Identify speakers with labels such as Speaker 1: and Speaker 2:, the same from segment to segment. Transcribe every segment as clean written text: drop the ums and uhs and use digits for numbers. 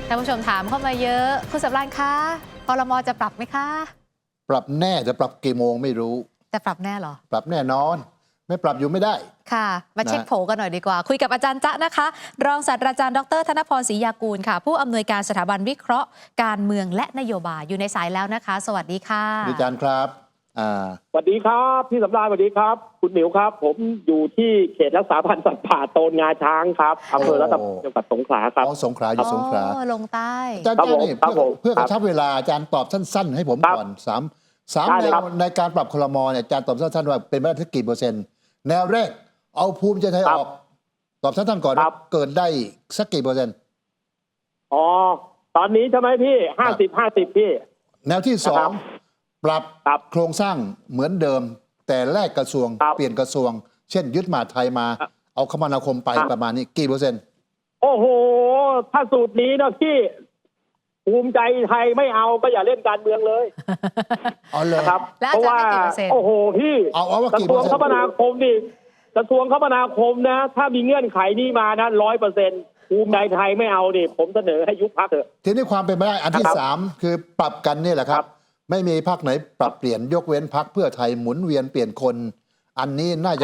Speaker 1: ท่านผู้ชมถามเข้ามาเยอะคุณสำราญคะครม.จะปรับไหมคะ
Speaker 2: ปรับแน่จะปรับกี่โมงไม่รู้
Speaker 1: จะปรับแน่เหรอ
Speaker 2: ปรับแน่นอนไม่ปรับอยู่ไม่ได้
Speaker 1: ค่ะมาเช็คโผกันหน่อยดีกว่าคุยกับอาจารย์จ๊ะนะคะรองศาสตราจารย์ดร.ธนพรศรียากูลค่ะผู้อำนวยการสถาบันวิเคราะห์การเมืองและนโยบายอยู่ในสายแล้วนะคะสวัสดีค่ะ
Speaker 2: อาจารย์ครับ
Speaker 3: สวัสดีครับพี่สำราญสวัสดีครับคุณหมิวครับผมอยู่ที่เขตรักษาพันธุ์สัตว์ป่าโตนงาช้างครับอำเภอรัตนบุรีจังหวัดสงขลาครับ
Speaker 2: สงขลาอยู่สงขลา
Speaker 1: ลงใต้
Speaker 2: อาจารย์นี่เพื่อกระชับเวลาอาจารย์ตอบสั้นๆให้ผมก่อนสามแนวในการปรับครม.เนี่ยอาจารย์ตอบสั้นๆว่าเป็นไปได้สักกี่เปอร์เซ็นต์แนวแรกเอาภูมิใจไทยออกตอบสั้นๆก่อนเกิดได้สักกี่เปอร์เซ็นต์
Speaker 3: อ๋อตอนนี้ใช่ไหมพี่50-50พี่
Speaker 2: แนวที่สองปรับโครงสร้างเหมือนเดิมแต่แลกกระทรวงเปลี่ยนกระทรวงเช่นยึดมหาดไทยมาเอาคมนาคมไปประมาณนี้กี่เปอร์เซ็นต์
Speaker 3: โอ้โหถ้าสูตรนี้นะพี่ภูมิใจไทยไม่เอาก็อย่าเล่นการเมืองเลย
Speaker 2: เอาเลย
Speaker 3: ครับเพราะว่าโอ้โหพี่
Speaker 2: กระ
Speaker 3: ทรวงคมนาคมนี่กระทรวงคมนาคมนะถ้ามีเงื่อนไขนี้มานะ100%ภูมิใจไทยไม่เอาดิผมเสนอให้ยุบพรรคเถอะ
Speaker 2: ทีนี้ความเป็นไปได้อันที่สามคือปรับกันนี่แหละครับไม่มีพรรคไหนปรับเปลี่ยนยกเว้นพรรคเพื่อไทยหมุนเวียนเปลี่ยนคนอันนี้น่าจะ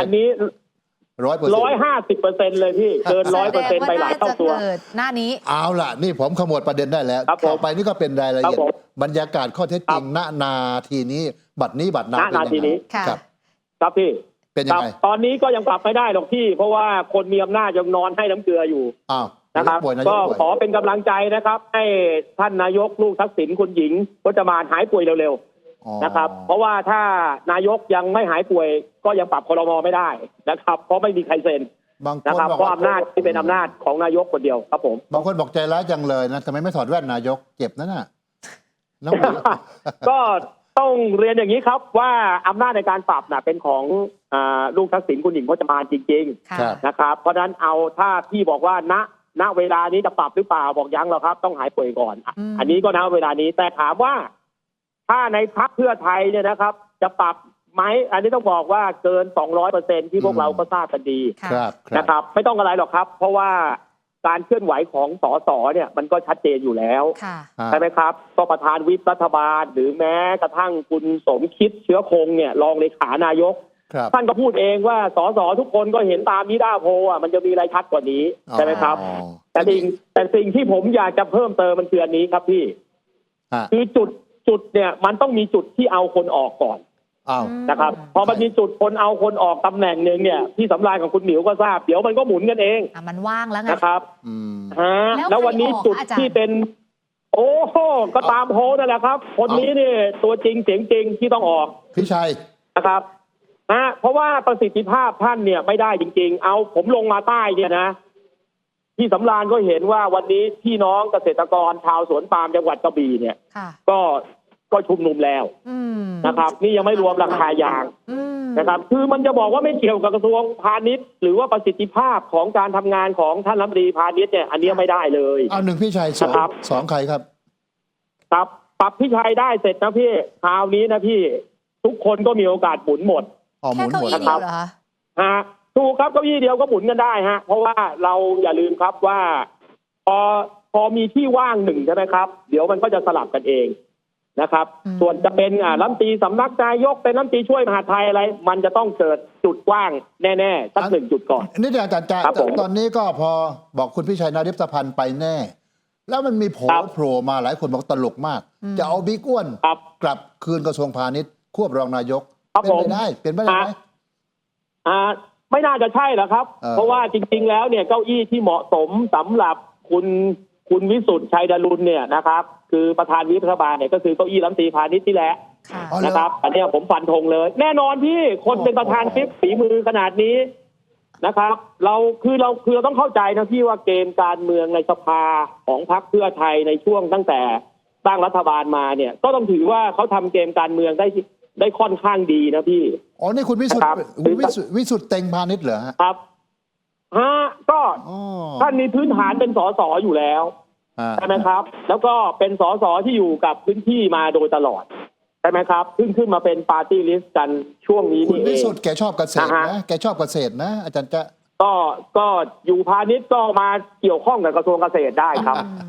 Speaker 3: 150%เลยพี่เกิน100%ไปหลายเท่าตัว
Speaker 1: หน้านี้
Speaker 2: เอาล่ะนี่ผมขมวดประเด็นได้แล้วต่อไปนี่ก็เป็นรายละเอียดบรรยากาศข้อเท็จจริงณนาทีนี้บัดนี้บัดนา
Speaker 3: ทีนี้ครับพี่
Speaker 2: เป็นยังไง
Speaker 3: ตอนนี้ก็ยังปรับไม่ได้หรอกพี่เพราะว่าคนมีอำนาจยังนอนให้น้ำเกลืออยู่นะครับก็ขอเป็นกำลังใจนะครับให้ท่านนายกลูกทักษิณคุณหญิงพจมานหายป่วยเร็วๆนะครับเพราะว่าถ้านายกยังไม่หายป่วยก็ยังปรับครม.ไม่ได้นะครับเพราะไม่มีใครเซ็นนะครับเพราะอำนาจที่เป็นอำนาจของนายกคนเดียวครับผม
Speaker 2: บางคนบอกใจร้ายจังเลยนะทำไมไม่ถอดแว่นนายกเจ็บนั่นน่ะ
Speaker 3: ก็ต้องเรียนอย่างนี้ครับว่าอำนาจในการปรับเป็นของลูกทักษิณคุณหญิงพจมานจริงๆนะครับเพราะฉะนั้นเอาถ้าพี่บอกว่าณเวลานี้จะปรับหรือเปล่าบอกยังหรอกครับต้องหายป่วยก่อนอันนี้ก็ณเวลานี้แต่ถามว่าถ้าในพรรคเพื่อไทยเนี่ยนะครับจะปรับไหมอันนี้ต้องบอกว่าเกิน 200% ที่พวกเราก็ทราบกันดีนะครับไม่ต้องอะไรหรอกครับเพราะว่าการเคลื่อนไหวของสสเนี่ยมันก็ชัดเจนอยู่แล้วใช่ไหมครับก็ประธานวิปรัฐบาลหรือแม้กระทั่งคุณสมคิดเชื้อคงเนี่ยรองเลขานายกท่านก็พูดเองว่าสสทุกคนก็เห็นตามนิด้าโพมันจะมีอะไรชัดกว่านี้ใช่ไหมครับแต่สิ่งที่ผมอยากจะเพิ่มเติมมันคืออันนี้ครับพี่คือจุดเนี่ยมันต้องมีจุดที่เอาคนออกก่อนนะครับพอมันมีจุดคนเอาคนออกตำแหน่งหนึ่งเนี่ยที่สำราญของคุณหมิวก็ทราบเดี๋ยวมันก็หมุนกันเอง
Speaker 1: มันว่างแล้วไง
Speaker 3: นะครับแล้ววันนี้จุดที่เป็นโอ้โหก็ตามโพสนั่นแหละครับคนนี้เนี่ยตัวจริงเสียงจริงที่ต้องออก
Speaker 2: พี่ชัย
Speaker 3: นะครับเพราะว่าประสิทธิภาพท่านเนี่ยไม่ได้จริงๆเอาผมลงมาใต้เนี่ยนะที่สำราญก็เห็นว่าวันนี้พี่น้องเกษตรกรชาวสวนปาล์มจังหวัดกระบี่เนี่ยก็ชุมนุมแล้วนะครับนี่ยังไม่รวมราคายางนะครับคือมันจะบอกว่าไม่เกี่ยวกับกระทรวงพาณิชย์หรือว่าประสิทธิภาพของการทำงานของท่านรัฐมนตรีพาณิชย์เนี่ยอันนี้ไม่ได้เลย
Speaker 2: เอาหนึ่งพี่ชัยสองใครครับ
Speaker 3: ปรับพี่ชัยได้เสร็จนะพี่คราวนี้นะพี่ทุกคนก็มีโอกาสหมุนหมด
Speaker 1: แค่เก้าอี้เดียวเหรอ
Speaker 3: คะถูกครับเก้าอี้เดียวก็หมุนกันได้ฮะเพราะว่าเราอย่าลืมครับว่าพอมีที่ว่างหนึ่งใช่ไหมครับเดี๋ยวมันก็จะสลับกันเองนะครับส่วนจะเป็นรัฐมนตรีสำนักนายกเป็นรัฐมนตรีช่วยมหาดไทยอะไรมันจะต้องเกิดจุดว่างแน่ๆสัก1 จุดก่อน
Speaker 2: นี่อาจารย์ตอนนี้ก็พอบอกคุณพิชัยนาริปพันธ์ไปแน่แล้วมันมีโผล่มาหลายคนบอกตลกมากจะเอาบิ๊กอ้วนกลับคืนกระทรวงพาณิชย์ควบรองนายกเป็นไปได้ไหม
Speaker 3: ไม่น่าจะใช่หรอกครับเพราะว่าจริงๆแล้วเนี่ยเก้าอี้ที่เหมาะสมสำหรับคุณวิสุทธิ์ชัยดารุณเนี่ยนะครับคือประธานวิปรัฐบาลเนี่ยก็คือเก้าอี้รัฐมนตรีพาณิชย์นี่แหละนะครับอันนี้ผมฟันธงเลยแน่นอนพี่คนเป็นประธานวิปฝีมือขนาดนี้นะครับเราต้องเข้าใจนะพี่ว่าเกมการเมืองในสภาของพรรคเพื่อไทยในช่วงตั้งแต่ตั้งรัฐบาลมาเนี่ยก็ต้องถือว่าเขาทำเกมการเมืองได้ค่อนข้างดีนะพี่
Speaker 2: นี่คุณวิสุทธิ์เต็งพาณิชย์เหรอ
Speaker 3: ครับก็ท่านมีพื้นฐานเป็นสสอยู่แล้วใช่ไหมครับแล้วก็เป็นสสที่อยู่กับพื้นที่มาโดยตลอดใช่ไหมครับขึ้นมาเป็นปาร์ตี้ลิสต์กันช่วงนี้นี่เอง
Speaker 2: คุณวิสุทธิ์แกชอบเกษตรนะแกชอบเกษตรนะอาจารย์จะ
Speaker 3: ก็อยู่พาณิชย์ก็มาเกี่ยวข้องกับกระทรวงเกษตรได้ครับ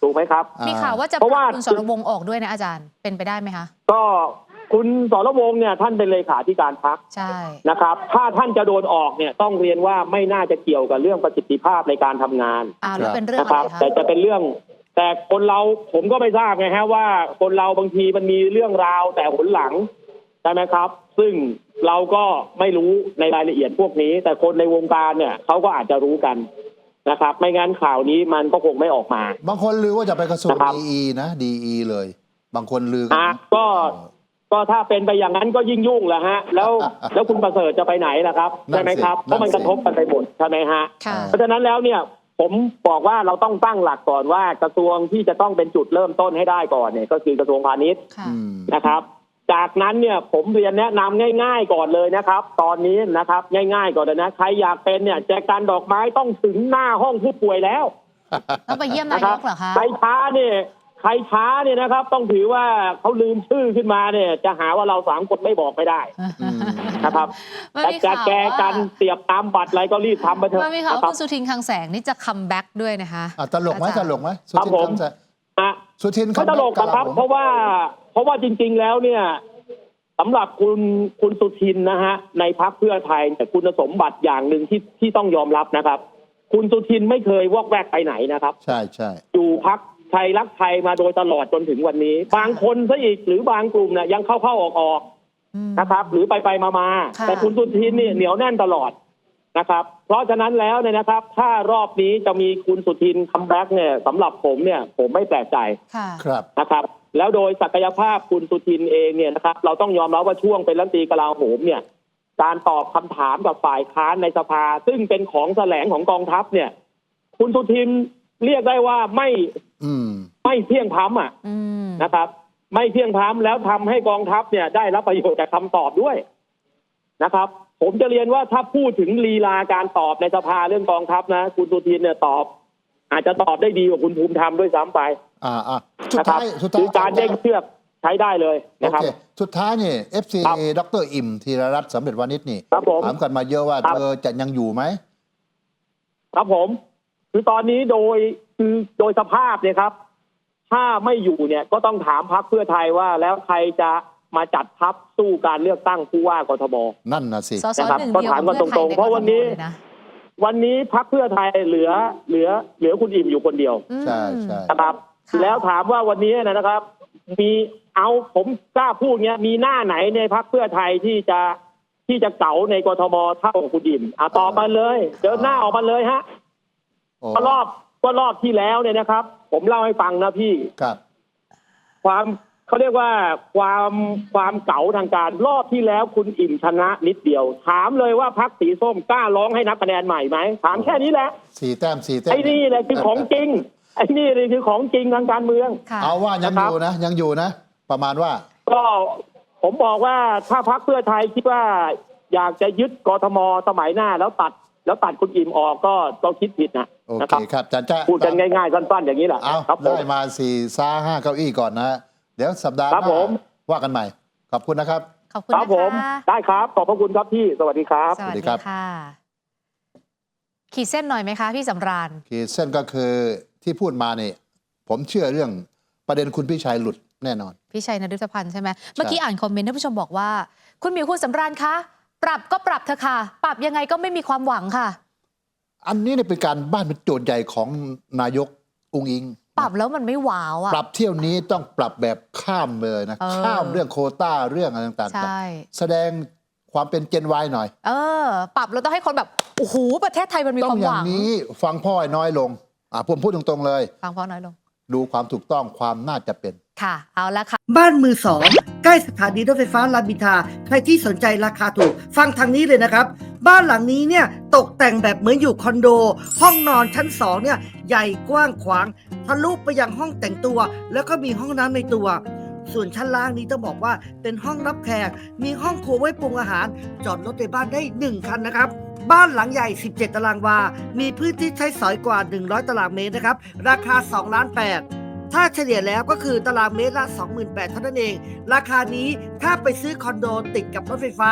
Speaker 3: ถูกไหมครับ
Speaker 1: มีข่าวว่าจะ
Speaker 3: เพราะว่า
Speaker 1: คุณสรวงศ์ออกด้วยนะอาจารย์เป็นไปได้ไหมคะ
Speaker 3: ก็คุณสรวงศ์เนี่ยท่านเป็นเลขาธิการพรรค
Speaker 1: ใช่
Speaker 3: นะครับถ้าท่านจะโดนออกเนี่ยต้องเรียนว่าไม่น่าจะเกี่ยวกับเรื่องประสิทธิภาพในการทำงาน
Speaker 1: แล้วเป็นเรื่อง
Speaker 3: นะ
Speaker 1: อะ
Speaker 3: ค
Speaker 1: ไร
Speaker 3: รับ
Speaker 1: คะ
Speaker 3: แต่จะเป็นเรื่องแต่คนเราผมก็ไม่ทราบไงฮะว่าคนเราบางทีมันมีเรื่องราวแต่หนหลังใช่ไหมครับ ซึ่งเราก็ไม่รู้ในรายละเอียดพวกนี้ แต่คนในวงการเนี่ยเขาก็อาจจะรู้กันนะครับไม่งั้นข่าวนี้มันก็คงไม่ออกมา
Speaker 2: บางคนลือว่าจะไปกระทรวง
Speaker 3: นะครับ
Speaker 2: ดีนะดีเลย บางคนลือกันนะ
Speaker 3: ก็ถ้าเป็นไปอย่างนั้นก็ยิ่งยุ่งแหละฮะแล้วคุณประเสริฐจะไปไหนล่ะครับใช่ไหมครับเพราะมันกระทบกันไปหมดใช่ไหมฮะ
Speaker 1: ค่ะ
Speaker 3: เพราะฉะนั้นแล้วเนี่ยผมบอกว่าเราต้องตั้งหลักก่อนว่ากระทรวงที่จะต้องเป็นจุดเริ่มต้นให้ได้ก่อนเนี่ยก็คือกระทรวงพาณิชย์
Speaker 1: ค่ะ
Speaker 3: นะครับ จากนั้นเนี่ยผมเรียนแนะนำง่ายๆก่อนเลยนะครับ ตอนนี้นะครับง่ายๆก่อนเลยนะใครอยากเป็นเนี่ยแจกันดอกไม้ต้องถึงหน้าห้องผู้ป่วยแล้ว
Speaker 1: ต้องไปเยี่ยมนา
Speaker 3: นะ
Speaker 1: ย
Speaker 3: ครับ
Speaker 1: กเหรอคะ
Speaker 3: ใครช้าเนี่ยนะครับ ต้องถือว่าเขาลืมชื่อขึ้นมาเนี่ยจะหาว่าเรา3 คนไม่บอกไม่ได้นะครับ
Speaker 1: มัน
Speaker 3: แต่
Speaker 1: มี
Speaker 3: จะ
Speaker 1: ข่าว
Speaker 3: แก
Speaker 1: ว่า
Speaker 3: กันเสียบตามบัตรอะไรก็รีบทำไปเถอะ
Speaker 1: มันมีข่าว
Speaker 3: นะ
Speaker 1: ว่า
Speaker 3: ครั
Speaker 1: คุณสุทินคลังแสงนี่จะคัมแบ็กด้วยนะคะ
Speaker 2: ตลกไหม
Speaker 1: อาจารย์
Speaker 2: ตลกไหมสุ
Speaker 3: ครับ
Speaker 2: ทิน
Speaker 3: ผม
Speaker 2: คำแสง
Speaker 3: อ่ะ
Speaker 2: สุทิน
Speaker 3: เขาตลกนะครับ เพราะว่าจริง ๆ แล้วเนี่ยสำหรับคุณสุทินนะฮะในพรรคเพื่อไทยแต่คุณสมบัติอย่างหนึ่งที่ต้องยอมรับนะครับ คุณสุทินไม่เคยวอกแวกไปไหนนะครับ
Speaker 2: ใช่ใช่
Speaker 3: อยู่พรรคไทยรักไทยมาโดยตลอดจนถึงวันนี้ บางคนซะอีกหรือบางกลุ่มเนี่ยยังเข้าออกนะครับ หรือไปมา
Speaker 1: ค่ะ
Speaker 3: แต่คุณสุทินเนี่ยเหนียวแน่นตลอดนะครับ เพราะฉะนั้นแล้วเนี่ยนะครับ ถ้ารอบนี้จะมีคุณสุทินคัมแบ็กเนี่ยสำหรับผมเนี่ยผมไม่แปลกใจ
Speaker 1: ค่ะ
Speaker 2: ครับ
Speaker 3: นะครับแล้วโดยศักยภาพคุณสุทินเองเนี่ยนะครับเราต้องยอมรับว่าช่วงเป็นรัฐมนตรีกลาโหมเนี่ยการตอบคำถามกับฝ่ายค้านในสภาซึ่งเป็นของแสลงของกองทัพเนี่ยคุณสุทินเรียกได้ว่าไม่เที่ยงธรรมนะครับไม่เที่ยงธรรมแล้วทำให้กองทัพเนี่ยได้รับประโยชน์จากคำตอบด้วยนะครับผมจะเรียนว่าถ้าพูดถึงลีลาการตอบในสภาเรื่องกองทัพนะคุณสุทินเนี่ยตอบอาจจะตอบได้ดีกว่าคุณภูมิธรรมด้วยซ้ำไป
Speaker 2: สุด
Speaker 3: นะครับ
Speaker 2: ท้าย
Speaker 3: คือการเด้งเชือกใช้ได้เลยนะครับ
Speaker 2: โอเคสุดท้ายนี่ FC
Speaker 3: ครับ
Speaker 2: ดรอิ่มธีรรัตน์สำเร็จวานิชนี่
Speaker 3: ครับผม
Speaker 2: ถามกันมาเยอะว่า
Speaker 3: ครับ
Speaker 2: เธอจะยังอยู่ไหม
Speaker 3: ครับผมคือตอนนี้โดยสภาพเนี่ยครับถ้าไม่อยู่เนี่ยก็ต้องถามพรรคเพื่อไทยว่าแล้วใครจะมาจัดทัพสู้การเลือกตั้งผู้ว่ากทม
Speaker 2: นั่นนะสิ
Speaker 1: สส
Speaker 3: นะครับ
Speaker 1: หนึ่ง
Speaker 3: ก็
Speaker 1: เดียว
Speaker 3: ถามกัน
Speaker 1: กับ
Speaker 3: ตรงๆเพราะวันนี้
Speaker 1: เลยะ
Speaker 3: วันนี้พรรคเพื่อไทยเหลือคุณอิ่มอยู่คนเดียว
Speaker 2: ใช่ใช่
Speaker 3: นะครับ
Speaker 1: ค่ะ
Speaker 3: แล้วถามว่าวันนี้นะครับ ผมกล้าพูดเงี้ยมีหน้าไหนในพรรคเพื่อไทยที่จะเก๋าในกทมเท่าคุณอิ่มตอบมาเลยเดินหน้าออกมาเลยฮะ
Speaker 2: โอ้
Speaker 3: ก็รอบที่แล้วเนี่ยนะครับ ผมเล่าให้ฟังนะพี่
Speaker 2: ครับ
Speaker 3: เขาเรียกว่าความเก๋าทางการรอบที่แล้วคุณอิ่มชนะนิดเดียว ถามเลยว่าพรรคสีส้มกล้าร้องให้นับคะแนนใหม่ไหมถามแค่นี้แหละ
Speaker 2: 4 แต้ม
Speaker 3: ไอ้นี่แหละคือของจริงไอ้นี่เลยคือของจริงทางการเมือง
Speaker 1: ค่ะ
Speaker 2: เอาว่ายังอยู่นะยังอยู่นะ ประมาณว่า
Speaker 3: ก็ผมบอกว่าถ้าพรรคเพื่อไทยคิดว่าอยากจะยึดกทมสมัยหน้าแล้วตัดคุณอิ่มออกก็คิดผิดนะ
Speaker 2: โอ
Speaker 3: นะ
Speaker 2: เค
Speaker 3: ครับ
Speaker 2: ครับอาจารย์จะ
Speaker 3: พูดกันง่ายๆสั้นๆอย่างนี้แหละ
Speaker 2: เอา
Speaker 3: ครับผม
Speaker 2: ได้มา4-5 เก้าอี้ก่อนนะ เดี๋ยวสัปดาห์ห
Speaker 3: ครั
Speaker 2: น้า
Speaker 3: บผม
Speaker 2: ว่ากันใหม่ ขอบคุณนะครับ
Speaker 1: ขอบคุณ
Speaker 3: ครับ
Speaker 1: นะ
Speaker 3: ผม
Speaker 1: คะ
Speaker 3: ได้ครับขอบพระคุณครับพี่สวัสดีครับ
Speaker 1: สวัส
Speaker 2: สวัสดี
Speaker 1: ดี
Speaker 2: ครับ
Speaker 1: ค่ะ ขีดเส้นหน่อยไหมคะพี่สำราญ
Speaker 2: ขีดเส้นก็คือที่พูดมาเนี่ยผมเชื่อเรื่องประเด็นคุณพี่ชัยหลุดแน่นอน
Speaker 1: พี่ชัยนฤทธพันธ์ใช่ไหมเมื่อกี้อ่านคอมเมนต์ท่านผู้ชมบอกว่า คุณหมิวคุณสำราญคะ ปรับก็ปรับเถอะค่ะ ปรับยังไงก็ไม่มีความหวังค่ะ
Speaker 2: อันนี้เนี่ยเป็นการบ้านเป็นโจทย์ใหญ่ของนายกอุ้งอิง
Speaker 1: ปรับแล้วมันไม่ว้าวอ่ะ
Speaker 2: ปรับเที่ยวนี้ต้องปรับแบบข้ามเลยนะ ข้ามเรื่องโควต้าเรื่องอะไรต่าง
Speaker 1: ใช่
Speaker 2: ๆ แสดงความเป็นเจนวายหน่อย
Speaker 1: ปรับแล้วต้องให้คนแบบโอ้โหประเทศไทยมันมี
Speaker 2: ต้
Speaker 1: ค
Speaker 2: อ
Speaker 1: วาง ม
Speaker 2: อ
Speaker 1: ห
Speaker 2: ย่าง
Speaker 1: วัง
Speaker 2: นี้ฟังพ่อให้น้อยลงผมพูดตรงๆเลย
Speaker 1: ฟังเพราะน้อยลง
Speaker 2: ดูความถูกต้องความน่าจะเป็น
Speaker 1: ค่ะ เอาละค่ะ
Speaker 4: บ้านมือสองใกล้สถานีรถไฟฟ้ารามอินทราใครที่สนใจราคาถูก ฟังทางนี้เลยนะครับ บ้านหลังนี้เนี่ยตกแต่งแบบเหมือนอยู่คอนโด ห้องนอนชั้น2เนี่ยใหญ่กว้างขวางทะลุไปยังห้องแต่งตัว แล้วก็มีห้องน้ำในตัว ส่วนชั้นล่างนี้ต้องบอกว่าเป็นห้องรับแขกมีห้องครัวไว้ปรุงอาหาร จอดรถในบ้านได้1คันนะครับบ้านหลังใหญ่17ตารางวามีพื้นที่ใช้สอยกว่า100ตารางเมตรนะครับราคา2.8 ล้านถ้าเฉลี่ยแล้วก็คือตารางเมตรละ 28,000 เท่านั้นเองราคานี้ถ้าไปซื้อคอนโดติดกับรถไฟฟ้า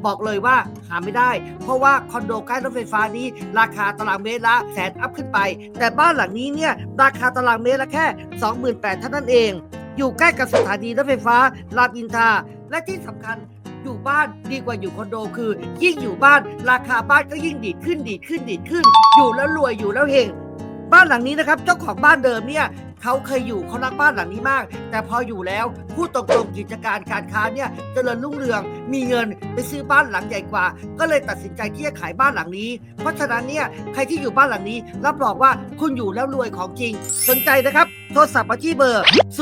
Speaker 4: บอกเลยว่าหาไม่ได้เพราะว่าคอนโดใกล้รถไฟฟ้านี้ราคาตารางเมตรละแสนอัพขึ้นไปแต่บ้านหลังนี้เนี่ยราคาตารางเมตรละแค่ 28,000 เท่านั้นเองอยู่ใกล้กับสถานีรถไฟฟ้ารามอินทราและที่สำคัญอยู่บ้านดีกว่าอยู่คอนโดคือยิ่งอยู่บ้านราคาบ้านก็ยิ่งดีดขึ้นอยู่แล้วรวยอยู่แล้วเฮงบ้านหลังนี้นะครับเจ้าของบ้านเดิมเนี่ยเขาเคยอยู่เขารักบ้านหลังนี้มากแต่พออยู่แล้วพูดตรงๆกิจการการค้าเนี่ยเจริญรุ่งเรืองมีเงินไปซื้อบ้านหลังใหญ่กว่าก็เลยตัดสินใจที่จะขายบ้านหลังนี้เพราะฉะนั้นเนี่ยใครที่อยู่บ้านหลังนี้รับรองว่าคุณอยู่แล้วรวยของจริงสนใจนะครับโทรศัพท์มาที่เบอร์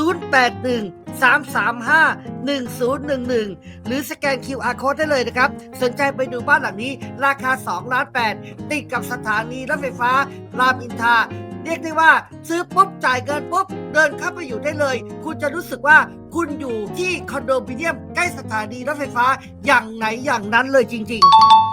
Speaker 4: 081-335-1011 หรือสแกน QR Code ได้เลยนะครับสนใจไปดูบ้านหลังนี้ราคา2.8 ล้านติดกับสถานีรถไฟฟ้ารามอินทราเรียกได้ว่าซื้อปุ๊บจ่ายเงินปุ๊บเดินเข้าไปอยู่ได้เลยคุณจะรู้สึกว่าคุณอยู่ที่คอนโดมิเนียมใกล้สถานีรถไฟฟ้าอย่างไหนอย่างนั้นเลยจริงๆ